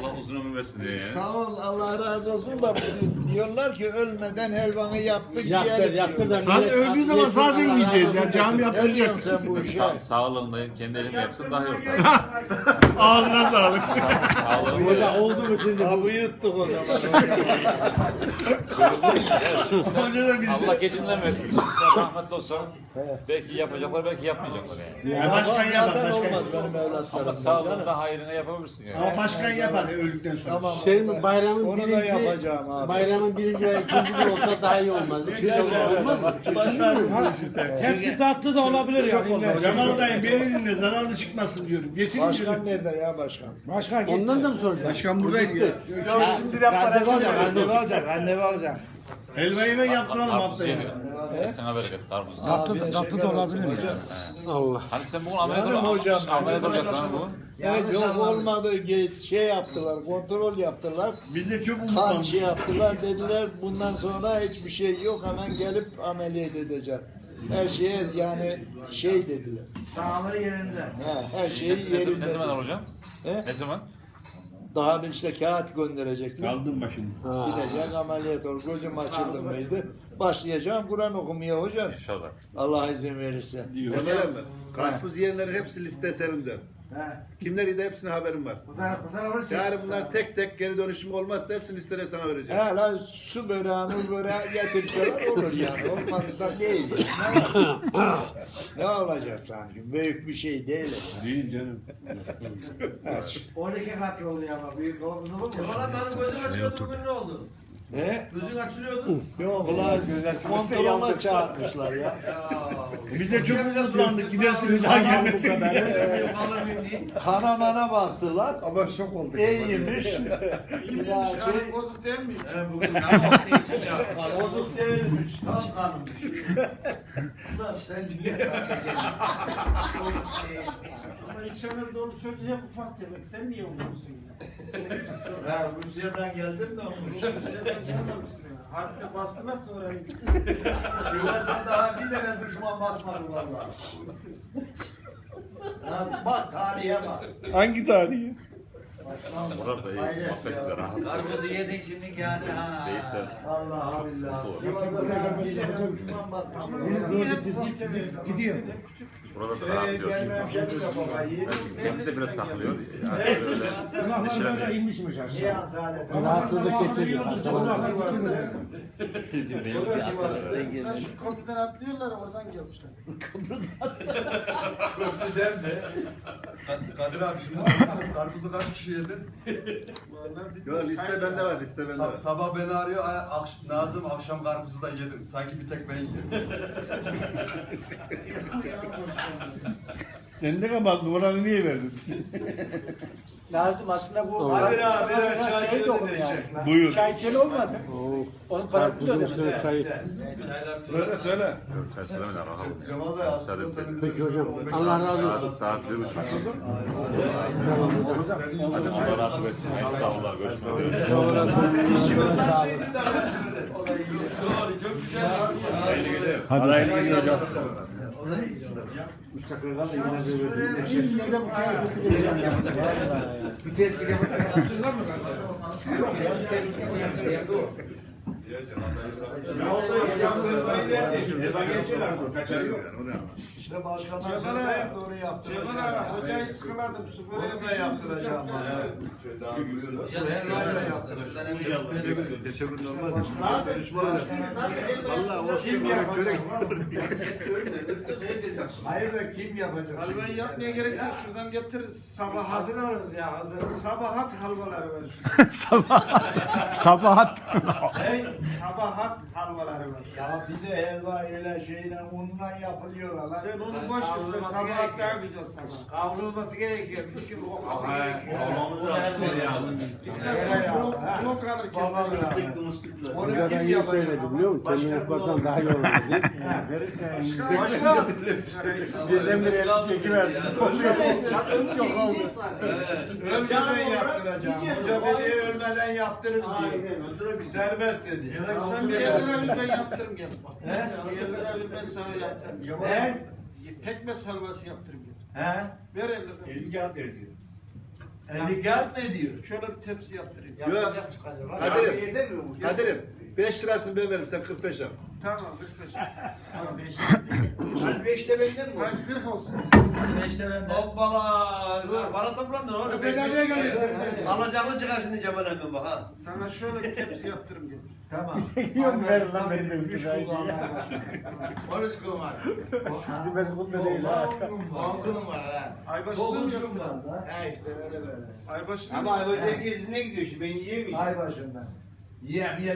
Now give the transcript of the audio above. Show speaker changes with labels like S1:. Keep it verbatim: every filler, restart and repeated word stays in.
S1: Allah uzun ömür versin diye.
S2: Sağ ol, Allah razı olsun da diyorlar ki ölmeden helvanı yaptık
S3: Yaktır,
S2: yiyelim
S3: yaktır
S2: diyorlar.
S3: da.
S4: Zaten öldüğü zaman zaten yiyeceğiz ya. Cami
S2: Ne
S4: yaptıracak.
S2: diyorsun sen bu işe?
S1: Sa sağlığında kendi elinle yapsın daha iyi olur.
S4: Ağzına sağlık.
S1: Sağlığında.
S3: Hoca oldu mu şimdi?
S2: Abi yuttuk o zaman.
S4: Hoca da biz.
S1: Allah gecinden versin. Sen rahmetli olsan belki yapacaklar belki yapmayacaklar yani.
S4: Ya başkan yapar,
S2: Zaten
S4: başkan
S2: olmaz
S4: yapar.
S2: benim evlatlarım.
S1: Sağlığında hayrına yapabilirsin yani.
S4: Ama başkan yapar öldükten sonra.
S2: Tamam.
S3: Senin
S2: onu da-
S3: bayramın
S2: onu da
S3: birinci,
S2: yapacağım abi.
S3: bayramın birinci ve ikinci gün olsa daha iyi olmaz. Üç gün olmaz mı?
S5: Hepsi tatlı da olabilir yani.
S4: Cemal dayı beni dinle zararlı çıkmasın diyorum. Getirin
S2: Başkan
S4: diyorum.
S2: nerede ya başkan?
S5: Başkan
S3: Ondan da mı soracaksın?
S4: Başkan buradaydı ya.
S5: Ya şimdi de parası alacak, randevu alacak, randevu alacak.
S4: Helva yemek yaptıralım
S1: Karpuz
S4: haftaya.
S1: yedik. Sana bereket karpuz.
S5: Tatlı, tatlı da olabilir mi?
S3: Allah.
S1: Hani sen bugün ameliyat
S2: Canım
S1: ol-
S2: hocam.
S1: ameliyat olacaksın ha bugün.
S2: Evet yok olmadı Ge- şey yaptılar, kontrol yaptılar.
S4: Biz de çok
S2: Kan
S4: umutlandık.
S2: şey yaptılar dediler bundan sonra hiçbir şey yok hemen gelip ameliyat edeceğim. Her şeye yani şey dediler.
S5: Sağlığı yerinde.
S2: He, her şey
S1: Ne, ne,
S2: yerinde.
S1: ne zaman alacağım?
S2: He?
S1: Ne zaman?
S2: Daha bir işte kağıt gönderecekler.
S4: Kaldım başımda.
S2: Gidecek ameliyat olur. Gözüm açıldı mıydı? Başlayacağım Kur'an okumaya hocam.
S1: İnşallah.
S2: Allah izin verirse.
S6: Ömer mi? Karpuz yiyenlerin hepsi liste serimde.
S5: He.
S6: Kimler de hepsine haberim var.
S5: Bu taraf, bu taraf olacak.
S6: Yarın bunlar tek tek geri dönüşüm olmazsa hepsini listede sana vereceğim.
S2: He lan su böreği, muz böreği getirseler olur yani. Olmazsa da değil. Ne, var? Ne olacak sanki? Büyük bir şey değil.
S4: Değil canım.
S2: Aç.
S5: on iki katlı oluyor ama büyük oldu mu? Valla benim gözüm açıyordu bugün ne oldu?
S2: Ne?
S5: Gözün açılıyordu.
S2: Yok ulan kontrola çağırmışlar ya.
S4: Biz de çok umutlandık. Gidersin bir daha
S2: Tamam bu
S4: gelmesin.
S2: kadar. Kana mana baktılar.
S5: Ama şok olduk.
S2: İyiymiş. Bir daha şey.
S5: Bozuk değil mi?
S6: Bugün karpuz için
S2: Bozuk değilmiş. Tam kanmış. Ulan sen niye sana
S5: Ama içeride dolu çocuğu hep ufak demek. Sen niye umuyorsun ya?
S2: Ben Rusya'dan geldim de onu.
S5: Rusya'dan gelmemişsin ya. Harpte bastılar sonra.
S2: Şurası daha bir tane düşman basmadı vallahi. Ya bak tarihe bak.
S4: Hangi tarihi?
S1: Murat Bey, muhabbet güzel. rahat.
S7: Karpuzu yedin şimdi yani ha.
S1: Değilse.
S2: Allah billah. Sivas'ta daha bir tane düşman basmadı.
S5: Biz gördük biz gidiyor.
S1: Burada da
S2: Ee,
S1: rahat diyor.
S2: gelmem şey de babayı.
S1: Kendi de biraz takılıyor. Yani böyle neşeleniyor.
S5: inmişmiş
S2: Niye hastanet?
S3: Rahatsızlık geçiriyor.
S2: O da Sivas'ta.
S1: Benim
S2: O da Sivas'ta gelmiş.
S5: Şu köprüden atlıyorlar oradan gelmişler.
S2: Köprüden mi?
S7: Kadir abi şimdi karpuzu kaç kişi yedin?
S6: Yo, liste bende var, liste bende var.
S7: Sa- sabah beni arıyor, "Ay, akş- Nazım akşam karpuzu da yedim. Sanki bir tek ben yedim.
S4: Sen de kapat numaranı niye verdin?
S5: Lazım aslında bu.
S2: Kadir abi, çay
S5: şey de olur
S2: söyle
S5: yani.
S4: Buyur.
S5: Çay içeli olmadı. Onun parasını da
S3: Karpuzun üstüne
S5: ödemez.
S3: çay.
S4: Söyle söyle.
S1: Yok, çay söylemeden rahat.
S7: Cemal Bey aslında senin
S3: Peki hocam. Allah razı olsun.
S1: Saat, saat bir buçuk. Hadi Allah razı olsun. Hayırlı sağ olun. Görüşmek üzere. Hayırlı geceler.
S4: Hadi hayırlı geceler hocam.
S3: Şimdi de bu çayı götüreceğim ya.
S2: Bir kez bir yapacak.
S6: Ne oldu? Eva geçiyorlar mı? Kaçarı yok.
S2: İşte başkanlar
S5: Cemal
S2: söyledi,
S5: abi,
S2: doğru yaptı.
S5: Cemal abi hocayı sıkıladım. Su böyle
S2: Onu
S5: bir
S2: da
S5: şey
S2: yaptıracağım.
S5: yaptıracağım.
S6: Şöyle daha duruyorlar.
S7: Teşekkür ederim.
S2: Valla o kim yapacak? Hayır da kim yapacak?
S5: Halvayı yapmaya gerek yok. Şuradan getir. Sabah hazır alırız ya hazır. Sabahat halvaları var.
S4: Sabahat.
S5: Hey, sabahat halvaları var.
S2: Ya bir de helva ile şeyle unla yapılıyor lan.
S5: Sen onu boş ver. Sen sabahat daha güzel sabah.
S7: Kavrulması gerekiyor. Mis gibi kokması gerekiyor.
S5: İstersen blok, blok alır
S2: Babam
S5: keser.
S2: ya. Onu
S3: Hocadan
S2: kim
S3: iyi
S2: yapacak?
S3: söyledi biliyor musun? Kendin yaparsan daha iyi olur.
S2: Başka?
S3: Birdenbire elini çekiverdi.
S2: Çok oldu. Ölmeden yaptıracağım. Hoca dedi ölmeden yaptırın diyor. Serbest dedi.
S5: Sen bir yerlere ben yaptırım gel. He? Bir yerlere ben sana yaptırım.
S2: He?
S5: Pekmez halvası yaptırım gel.
S2: He?
S5: Ver elini.
S4: Elini kağıt ver diyor.
S6: elli kağıt mı ediyor?
S5: Şöyle bir tepsi yaptırayım.
S3: Yapacak çıkacak. Bak,
S6: Kadir'im.
S3: yetemiyor mu?
S6: Kadir'im beş lirasını ben veririm sen kırk beş yap.
S5: Tamam, kırk beş.
S3: Hadi beşte benden mi olsun?
S5: Hadi kırk olsun.
S6: beşte benden. Hoppala. Dur bana toplandın oğlum.
S5: Ben nereye geldim?
S6: Alacaklı çıkar şimdi Cemal emmi bak ha.
S5: Sana şöyle bir tepsi yaptırım gelir.
S6: Tamam.
S2: Yok ver lan benim de
S3: Üç kulağına
S6: on üç kum var.
S2: Şimdi mezbunda değil ha.
S3: on kum var ha.
S5: Aybaşı'nı
S3: Dokuz
S5: yaptım.
S3: kum var da.
S6: He işte öyle böyle.
S5: Aybaşı'nı
S3: Ama Aybaşı'ya gezine gidiyor şimdi ben yiyemeyeceğim.
S2: Ay başından.
S6: Yiyem yiyem.